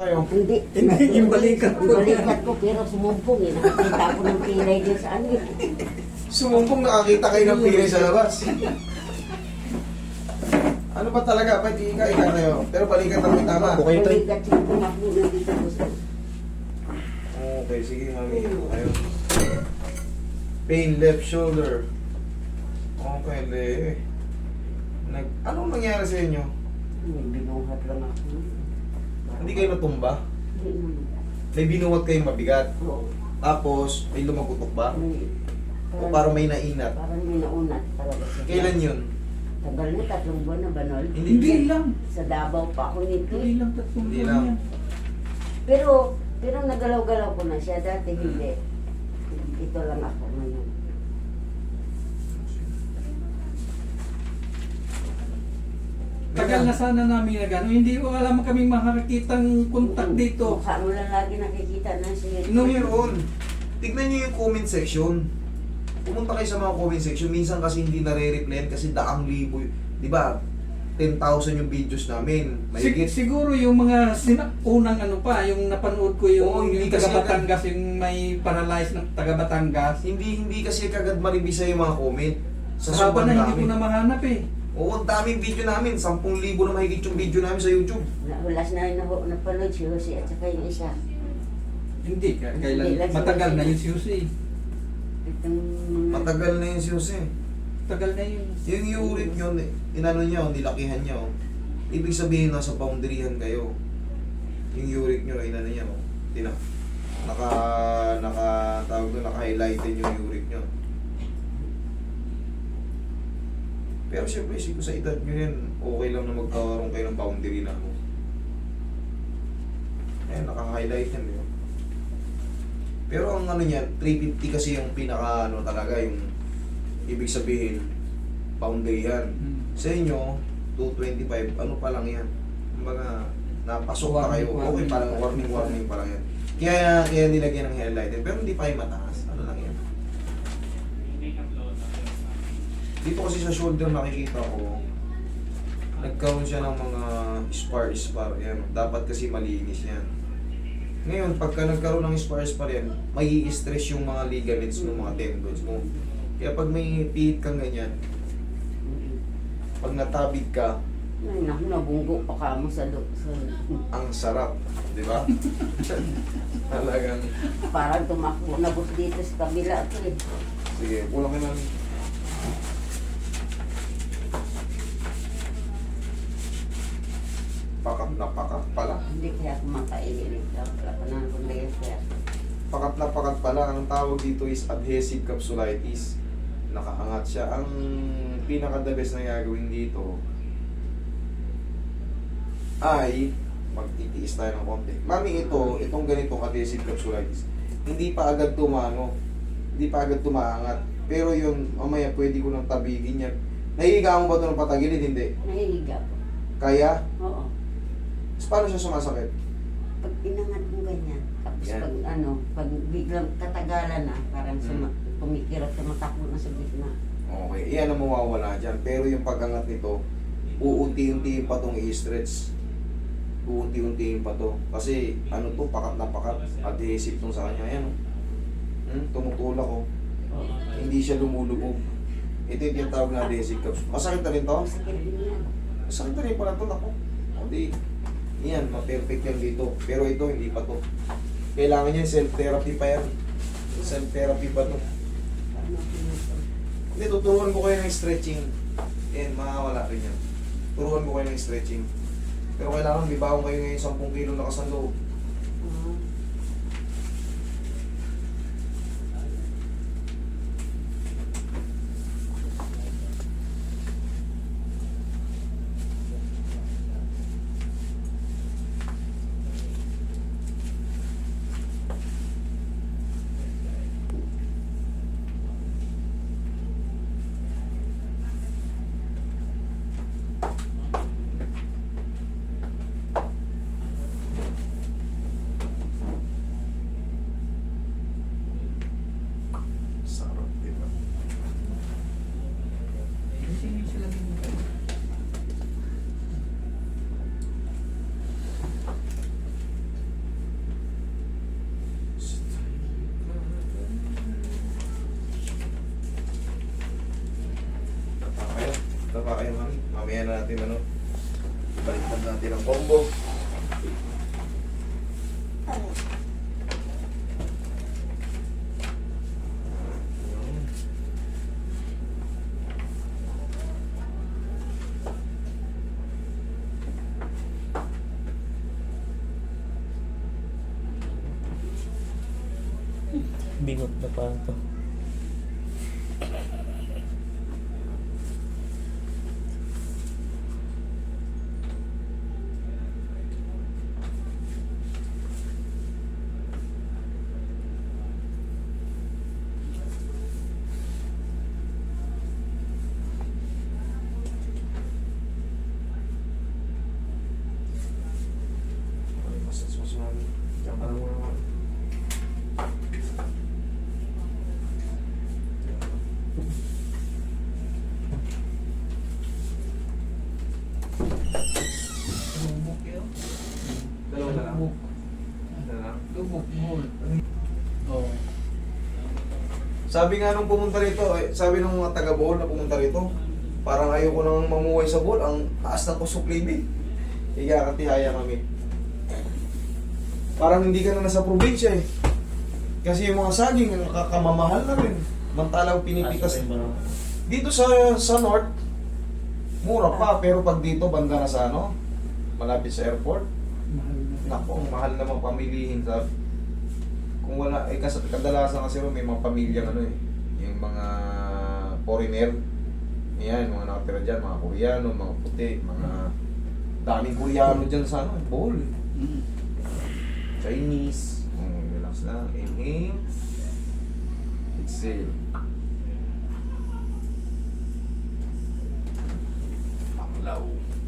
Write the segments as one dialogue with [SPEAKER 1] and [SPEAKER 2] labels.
[SPEAKER 1] Kayo?
[SPEAKER 2] Hindi.
[SPEAKER 3] Hindi, yung balikat ko.
[SPEAKER 2] Yung balikat ko, pero sumumpong eh. Nakakita ko ng pilay din sa ano.
[SPEAKER 1] Sumumpong nakakita kayo ng pilay sa labas. Ano ba talaga? Ba't ika kayo? Pero balikan na may tama.
[SPEAKER 3] Okay, tay.
[SPEAKER 2] Balikat yung tumakbo na dito ko sa...
[SPEAKER 1] Okay, sige mami. Ayun. Pain left shoulder. Okay, le. Anong nangyari sa inyo?
[SPEAKER 2] Binuhat lang ako.
[SPEAKER 1] Hindi kayo natumba?
[SPEAKER 2] Hindi naman.
[SPEAKER 1] May binuwat kayong mabigat.
[SPEAKER 2] Oo.
[SPEAKER 1] Tapos, may lumagutok ba?
[SPEAKER 2] May-
[SPEAKER 1] O parang may nainat?
[SPEAKER 2] Parang may naunat talaga siya.
[SPEAKER 1] Kailan yun?
[SPEAKER 2] Tagal na, 3 buwan na ba, Nol?
[SPEAKER 3] Hindi lang.
[SPEAKER 2] Sa Davao pa ako nito.
[SPEAKER 3] Hindi lang, tatlong
[SPEAKER 1] Hindi
[SPEAKER 3] buwan
[SPEAKER 1] lang.
[SPEAKER 3] yan.
[SPEAKER 2] Pero nagalaw-galaw ko na siya. Dati hindi. Ito lang ako ngayon.
[SPEAKER 3] Tagal na sana namin na gano'n. Hindi ko alam kaming makakitang kontak dito.
[SPEAKER 2] Mukha mo lang lagi nakikita na siya.
[SPEAKER 1] No, meron. Tignan nyo yung comment section. Pumunta kayo sa mga comment section. Minsan kasi hindi nare-replyan kasi daang libo. Di ba? 10,000 yung videos namin. Mahigit.
[SPEAKER 3] Siguro yung mga unang ano pa, yung napanood ko yung,
[SPEAKER 1] Oo, hindi
[SPEAKER 3] yung
[SPEAKER 1] kasi
[SPEAKER 3] taga Batangas, yung may paralyzed ng taga Batangas.
[SPEAKER 1] Hindi kasi kagad maribisa yung mga comment. Sa
[SPEAKER 3] Sa haba
[SPEAKER 1] sobrang
[SPEAKER 3] na hindi
[SPEAKER 1] dami.
[SPEAKER 3] ko na mahanap eh.
[SPEAKER 1] Oo, ang daming video namin. 10,000 na mahigit yung video namin sa YouTube.
[SPEAKER 2] Nahulas na rin ako napanood si Jose at saka yung isa.
[SPEAKER 3] Hindi,
[SPEAKER 2] Hindi
[SPEAKER 3] kailan,
[SPEAKER 2] lang si
[SPEAKER 3] matagal
[SPEAKER 2] Jose.
[SPEAKER 3] na yun si Jose.
[SPEAKER 2] Itong mga...
[SPEAKER 1] Matagal na yun si Jose.
[SPEAKER 3] Tagal na yun.
[SPEAKER 1] Yung urine nyo, inano nyo, nilakihan nyo. Ibig sabihin, nasa boundaryhan kayo. Yung uric nyo, inano nyo. Tawag doon, naka-highlighted yung uric nyo. Pero siyempre, siguro sa edad nyo yan, okay lang na magkaroon kayo ng boundary na mo. Ayan, naka-highlight yan, di ba? Pero ang ano niyan, 350 kasi yung pinaka ano talaga, yung ibig sabihin, boundary yan. Sa inyo, 225, ano pa lang yan? Kumbaga, napasok na kayo. Okay, parang warning pa lang yan. Kaya nilagyan ng highlighter, pero hindi pa yung mataas. Ano lang yan? Dito kasi sa shoulder nakikita ko, nagkaroon siya ng mga spar. Yan. Dapat kasi malinis yan. Ngayon, pagka nagkaroon ng spar yan, may i-stress yung mga ligaments mo, mga tendons mo. Kaya pag may pihit kang ganyan, pag natabig ka,
[SPEAKER 2] Ay, naku, nabunggo pa ka mo sa...
[SPEAKER 1] ang sarap, di ba? Talagang,
[SPEAKER 2] Parang tumakbo na bus dito sa kabila ito eh.
[SPEAKER 1] sige, pulang ka na. Pakat pala.
[SPEAKER 2] Hindi kaya ako makainin. Wala pa na akong kaya.
[SPEAKER 1] Pakat pala. Ang tawag dito is adhesive capsulitis. Nakaangat siya. Ang pinaka-the best na gagawin dito ay magtitiis tayo ng konti. Mami, itong ganitong adhesive capsulitis, hindi pa agad tumaangat. Pero yun, mamaya pwede ko nang tabigin yan. Nahihiga mo ba ito ng patagilid? Hindi.
[SPEAKER 2] Nahihiga ko.
[SPEAKER 1] Kaya?
[SPEAKER 2] Oo.
[SPEAKER 1] So, paano siya sumasakit?
[SPEAKER 2] Pag inangat mo ganyan, tapos
[SPEAKER 1] Yan.
[SPEAKER 2] pag biglang katagalan na, parang pumikirot, tumatakbo na sa gitna.
[SPEAKER 1] Okay, iyan ang mawawala dyan. Pero yung pag-angat nito, uunti-untiin pa itong i-stretch. Uunti-untiin pa to. Kasi ano to, pakat na pakat. Adhesive tong sa kanya. Ayan, tumutulak ko.
[SPEAKER 2] Oo.
[SPEAKER 1] Hindi siya lumulubog. Ito yung tinatawag na adhesive capsule. Masakit na rin to?
[SPEAKER 2] Masakit din yan.
[SPEAKER 1] Masakit na rin pala to. Ako. O di, yan, ma-perfect yan dito. Pero ito, hindi pa to. Kailangan yan, self-therapy pa yan. Self-therapy pa to.
[SPEAKER 2] Paano ako nito?
[SPEAKER 1] Hindi, tuturuan ko kayo ng stretching. Yan, makakawala rin yan. Turuan ko kayo ng stretching. Pero kailangan bibaon kayo ngayon 10 kilo na kasando.
[SPEAKER 2] Ah.
[SPEAKER 1] mamaya natin ano. Baliktad natin ang combo.
[SPEAKER 4] Bingot na pa ito.
[SPEAKER 1] Ay, mas namin. Diyan ka na muna naman.
[SPEAKER 3] Lubok yun.
[SPEAKER 1] Dalawa na lang.
[SPEAKER 3] Lubok.
[SPEAKER 1] Ano na?
[SPEAKER 3] Lubok mo. Oo.
[SPEAKER 1] Sabi nga nung pumunta rito, sabi nung mga taga Bohol na pumunta rito, parang ayoko nang mamuhay sa Bohol, ang taas na tusok libi. Ikakatihaya kami. Parang hindi ka na nasa probinsya eh. Kasi yung mga saging, kakamamahal na rin. Mantalang pinipitas. Dito sa North, mura pa, pero pag dito, banda na sa ano, malapit sa airport,
[SPEAKER 3] Mahal na.
[SPEAKER 1] naku, ang mahal naman pamilihin. Sabi. Kung wala, kadalasan kasi may mga pamilyang ano eh, yung mga foreigner, yan, mga nakatira dyan, mga Koreano, mga puti, mga daming Koreano dyan sa ano, Bohol.
[SPEAKER 3] Mm.
[SPEAKER 1] Chinese, relax lang, inhale, exhale. Panglaw.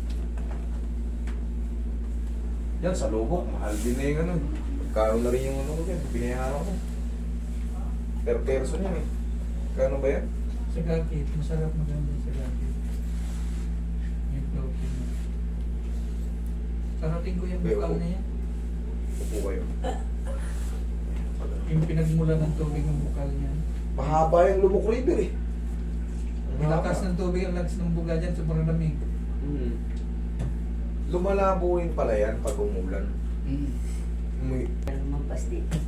[SPEAKER 1] Yan, sa lubok, mahal din na yung ano. Magkano na rin yung ano ko dyan, binayaran ko. Per person yan eh. Kano ba yan?
[SPEAKER 3] Sa gakit, masarap maganda sa gakit. Yung floating. Sarating ko yung
[SPEAKER 1] Bayo
[SPEAKER 3] bukal
[SPEAKER 1] ko.
[SPEAKER 3] na yan.
[SPEAKER 1] Upo kayo.
[SPEAKER 3] Yung pinagmula ng tubig ng bukal niya.
[SPEAKER 1] Mahaba yung Lubok River eh.
[SPEAKER 3] Ang lakas ng tubig, ang lakas ng buga dyan, sobrang lamig.
[SPEAKER 1] Lumalabo rin pala yan pag umulan.
[SPEAKER 2] Lumampas dito.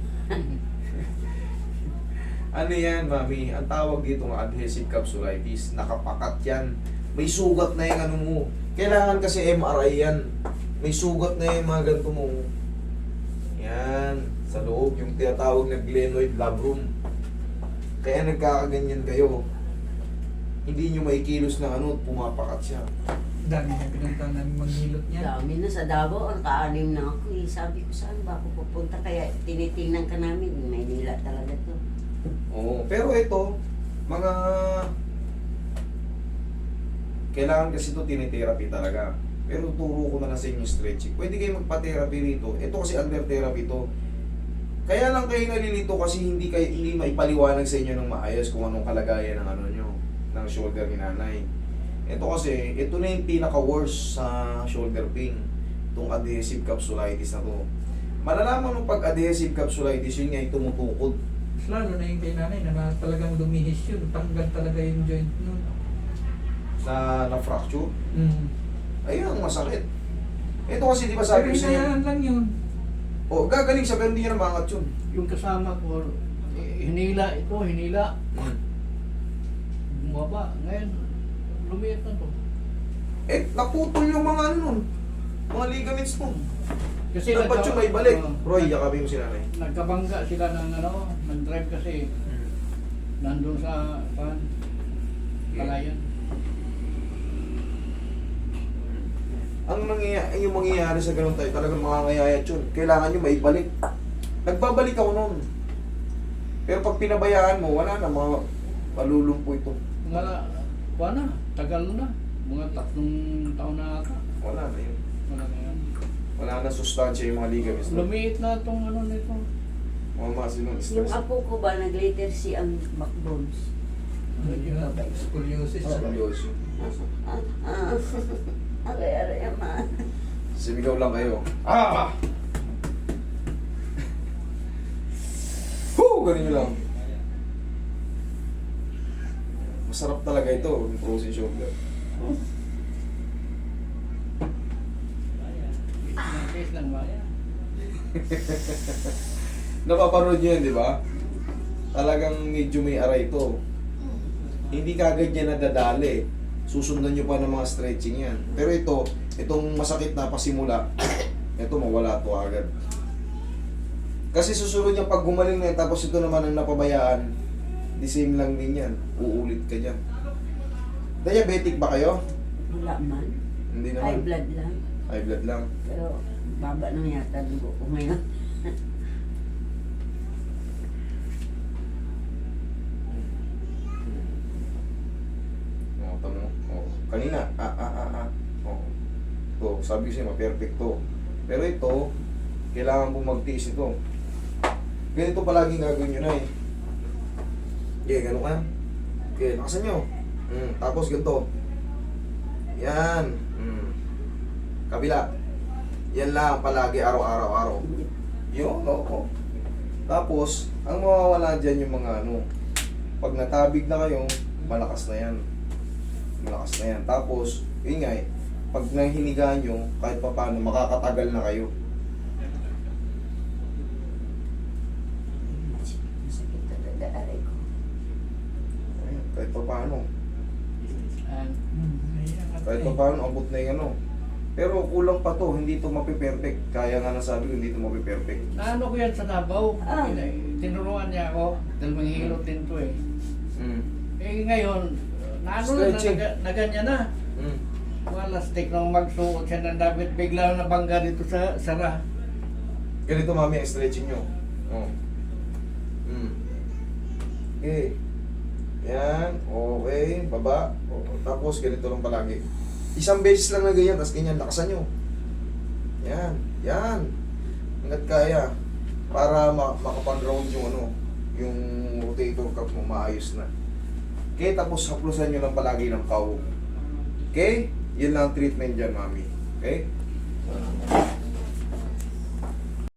[SPEAKER 1] Ano yan, mami? Ang tawag dito ng adhesive capsulitis. Nakapakat yan. May sugat na yung ano mo. Kailangan kasi MRI yan. May sugat na yung mga ganito mo. Yan. Sa loob, yung tinatawag na glenoid labrum. Kaya nagkakaganyan kayo. Hindi nyo maikilos na ano, pumapakat siya.
[SPEAKER 3] Dami na pinuntahan namin maghilot niya.
[SPEAKER 2] Dami na sa Davao, ang kaanim na ako eh. Sabi ko saan ba ako pupunta? Kaya tinitingnan ka namin, Maynila talaga to.
[SPEAKER 1] Oo. Pero ito, mga... Kailangan kasi ito tinitherapy talaga. Pero turo ko na lang sa inyo stretching. Pwede kayo magpa-therapy rito. Ito kasi under therapy to. Kaya lang kayo nalilito kasi hindi maipaliwanag sa inyo ng maayos kung anong kalagayan ng ano nyo, ng shoulder ni nanay. Ito kasi, ito na yung pinaka-worst sa shoulder pain. Itong adhesive capsulitis na to. Malalaman mo pag adhesive capsulitis, yun nga yung tumutukod.
[SPEAKER 3] Mas lalo na yung kay nanay na talagang lumihis yun. Tanggal talaga yung joint nun.
[SPEAKER 1] Na fracture.
[SPEAKER 3] Mm.
[SPEAKER 1] Ayun ang masakit. Ito kasi di ba sabi
[SPEAKER 3] Pero
[SPEAKER 1] ko sa inyo,
[SPEAKER 3] hinayaan lang yun.
[SPEAKER 1] gagaling siya pero hindi niya namangat yun.
[SPEAKER 5] Yung kasama ko, hinila ito, hinila. Bumaba. Ngayon, lumiit na to.
[SPEAKER 1] Naputol yung mga ano nun. Mga ligaments mo.
[SPEAKER 5] Kasi
[SPEAKER 1] Dapat yun may balik.
[SPEAKER 5] oh,
[SPEAKER 1] Roy, yakapin mo si nanay.
[SPEAKER 5] nagkabangga sila ng ano, nag-drive kasi nandun sa palayan.
[SPEAKER 1] Yung mangyayari sa ganun tayo, talagang makangayayat yun. Kailangan nyo maibalik. Nagbabalik ako nun. Pero pag pinabayaan mo, wala na, malulumpo ito.
[SPEAKER 5] Wala, tagal na. Mga 3 taon na ata.
[SPEAKER 1] Wala na yun.
[SPEAKER 5] Wala na yan.
[SPEAKER 1] Wala na sustansya yung mga ligaments.
[SPEAKER 5] Lumiit na itong ano nito.
[SPEAKER 1] Mga muscle ng
[SPEAKER 2] Yung
[SPEAKER 1] stress.
[SPEAKER 2] apo ko ba, nag-later si ang backbones.
[SPEAKER 3] Yun, scoliosis.
[SPEAKER 1] Seryoso.
[SPEAKER 2] Aray, ama.
[SPEAKER 1] Simigaw lang kayo. Ah! Woo! Ganun nyo lang. Masarap talaga ito, yung frozen shoulder. Napapanood nyo yun, di ba? Talagang medyo may aray ito. Hindi kagad yan nadadali. Susundan nyo pa ng mga stretching yan. Pero itong masakit na pasimula, ito mawala to agad. Kasi susunod yung pag gumaling na yan, tapos ito naman ang napabayaan, the same lang din yan. Uulit ka dyan. Diabetic ba kayo?
[SPEAKER 2] Wala man.
[SPEAKER 1] Hindi
[SPEAKER 2] High
[SPEAKER 1] naman.
[SPEAKER 2] blood lang.
[SPEAKER 1] High blood lang.
[SPEAKER 2] Pero baba na yata dugo ko ngayon.
[SPEAKER 1] Oo, tamo. Oo. Kanina, Oo. Ito, sabi ko sa'yo, ma-perfect to. Pero ito, kailangan po magtiis ito. Ganito palaging gagawin nyo na eh. Okay, gano'n ka. Okay, lakasan nyo. Tapos ganito. Yan. Kabila. Yan lang palagi, araw-araw. Yun, oo. Tapos, ang mawawala dyan yung mga pag natabig na kayo, malakas na yan. Malakas na yan. Tapos, yun nga eh, pag nahinigaan nyo, kahit pa paano, makakatagal na kayo.
[SPEAKER 2] Masakit talaga aray ko.
[SPEAKER 1] Ayun, kahit pa paano.
[SPEAKER 5] And,
[SPEAKER 1] Kahit pa paano, abot na yung Pero kulang pa to, hindi to mapiperfect. Kaya nga nasabi ko, hindi to mapiperfect.
[SPEAKER 5] naano ko yan sa Davao.
[SPEAKER 2] Ah.
[SPEAKER 5] Tinuruan niya ako. Dahil manghihilot din to eh.
[SPEAKER 1] Mm.
[SPEAKER 5] Eh ngayon, naano na,
[SPEAKER 1] Stretching.
[SPEAKER 5] na ganyan na.
[SPEAKER 1] Mm.
[SPEAKER 5] Wala stick nang magsuot siya ng damit. Bigla na bangga dito sa sara.
[SPEAKER 1] Ganito mami ang stretching nyo. Oh. Okay. Yan. Okay. Baba. Tapos ganito lang palagi. Isang beses lang na ganyan, tapos ganyan, lakasan nyo. Yan. Yan. Hanggat kaya. Para makapag-round yung yung rotator cuff mo maayos na. Okay, tapos haplusan nyo lang palagi ng pau. Okay? Yun lang ang treatment dyan, mami. Okay?